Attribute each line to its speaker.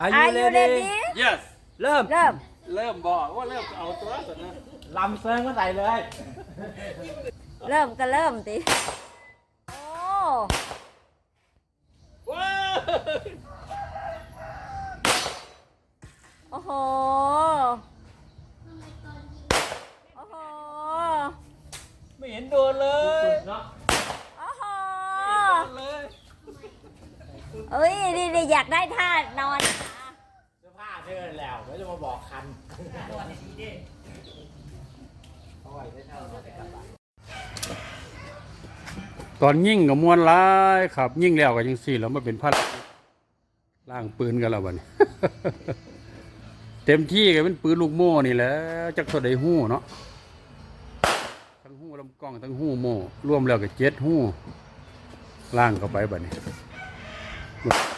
Speaker 1: Are you ready
Speaker 2: yes
Speaker 1: เริ่ม
Speaker 2: เริ่มบอกว่าเริ่มเอาตัวสุดนะ
Speaker 1: ลำเซิงก็ใส่เลย
Speaker 3: เริ่มก็เริ่มติโอ้
Speaker 2: ว้าว
Speaker 3: โอ้โหโอ้โห
Speaker 2: ไม่เห็นโดนเลย
Speaker 1: เนาะ
Speaker 3: โอ้โห
Speaker 2: โดนเลย
Speaker 3: เอ้ยนี่อยากได้ท่านอน
Speaker 1: เสื้อผ้าเธอแล้วไม่จะมาบอกคันเอาไว้ได้เท่าไหร่กลับบ้าน
Speaker 4: ตอนยิ่งกับมวนร้ายครับ ยิ่งแล้วก็ยังสี่แล้วมาเป็นพัดล่างปืนกันแล้ววันนี้ เต็มที่ก็เป็นปืนลูกโม่นี่แหละจักเท่าใดหู้เนาะทั้งหู้ลำกล้องทั้งหู้โม่รวมแล้วก็7หู้ล่างเข้าไปบัดนี้